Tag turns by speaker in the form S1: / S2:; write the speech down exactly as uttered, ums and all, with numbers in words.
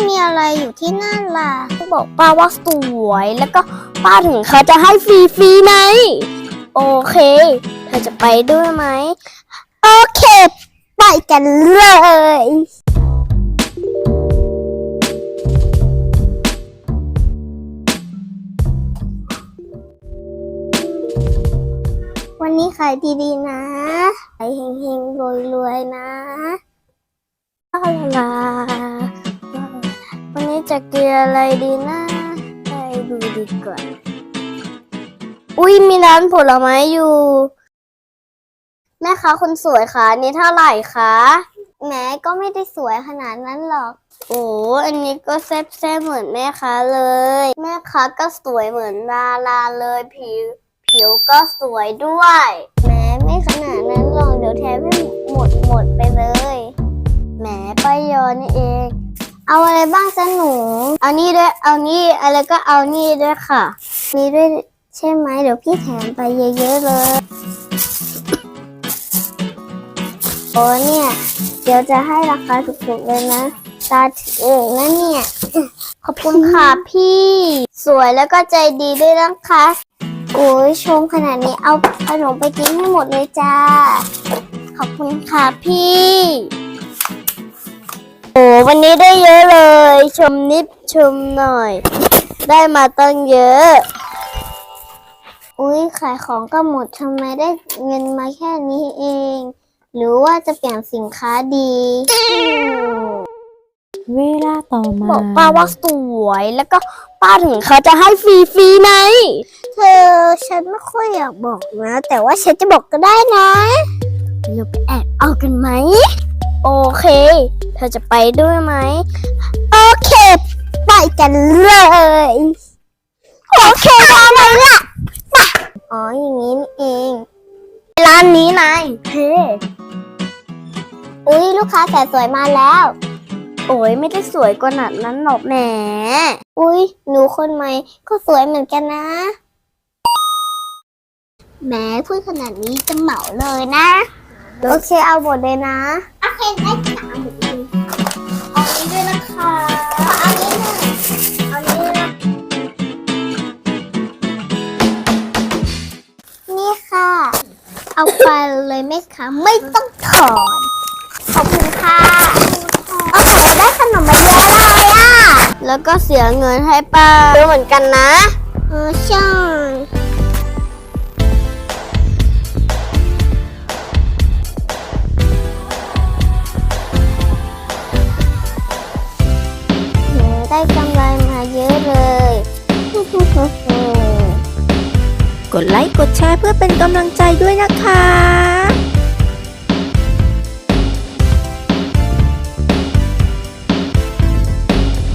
S1: มีอะไรอยู่ที่นั่นล่ะบอกป้าว่าสวยแล้วก็ป้าถึงเขาจะให้ฟรีๆไหมโอเคเธอจะไปด้วยไหมโอเคไปกันเลยวันนี้ขายดีๆนะขายเฮงๆรวยๆนะลาลาวันนี้จะกินอะไรดีนะไปดูดีกว่าอุ้ยมีร้านผลไม้อยู่แม่ค้าคนสวยคะนี่เท่าไหร่คะแม้ก็ไม่ได้สวยขนาดนั้นหรอกโอ้อันนี้ก็แซ่บๆเหมือนแม่ค้าเลยแม่ค้าก็สวยเหมือนดาราเลยผิวผิวก็สวยด้วยแม้ไม่ขนาดนั้นหรอกเดี๋ยวแทบไม่หมดหมดไปเลยแหมป้ายอนี่เองเอาอะไรบ้างจ๊ะหนูเอานี่ด้วยเอานี่อะไรก็เอานี่ด้วยค่ะมีด้วยใช่ไหมเดี๋ยวพี่แถมไปเยอะๆเลยโอ้เนี่ยเดี๋ยวจะให้ราคาถูกๆเลยนะตาถือเองนะเนี่ยขอบคุณค่ะพี่สวยแล้วก็ใจดีด้วยนะคะโอ้ยชมขนาดนี้เอาขนมไปกินให้หมดเลยจ้าขอบคุณค่ะพี่โอ้วันนี้ได้เยอะเลยชมนิดชมหน่อยได้มาตั้งเยอะอุ้ยขายของก็หมดทำไมได้เงินมาแค่นี้เองหรือว่าจะเปลี่ยนสินค้าดี
S2: เวลาต่อมา
S1: บอกป้าว่าสวยแล้วก็ป้าถึงเขาจะให้ฟรีๆไหมเธอฉันไม่ค่อยอยากบอกนะแต่ว่าฉันจะบอกก็ได้นะเราไปแอบเอากันไหมโอเคเธอจะไปด้วยไหมโอเคไปกันเลยโอเคทำไมล่ะอ๋ออย่างนี้นี่เองร้านนี้นายเฮ้อุ้ยลูกค้าแต่สวยมาแล้วโอ้ยไม่ได้สวยกว่านั้นนั้นหรอกแหมอุ้ยหนูคนใหม่ก็สวยเหมือนกันนะแหมพูดขนาดนี้จะเหมาเลยนะโอเคเอาหมดเลยนะโอเคได้ค่ะเอาหมดเลยเอานี้ด้วยนะคะเอานี้หน่อยเอานี้นะนี่ค่ะเอาไปเลยไหมคะไม่ต้องถอนขอบคุณค่ะโอเคได้ขนมมาเยอะเลยอ่ะแล้วก็เสียเงินให้ป้าเยอะเหมือนกันนะเออใช่ได้กำไรมาเยอะเลย
S2: กดไลค์กดแชร์เพื่อเป็นกำลังใจด้วยนะคะ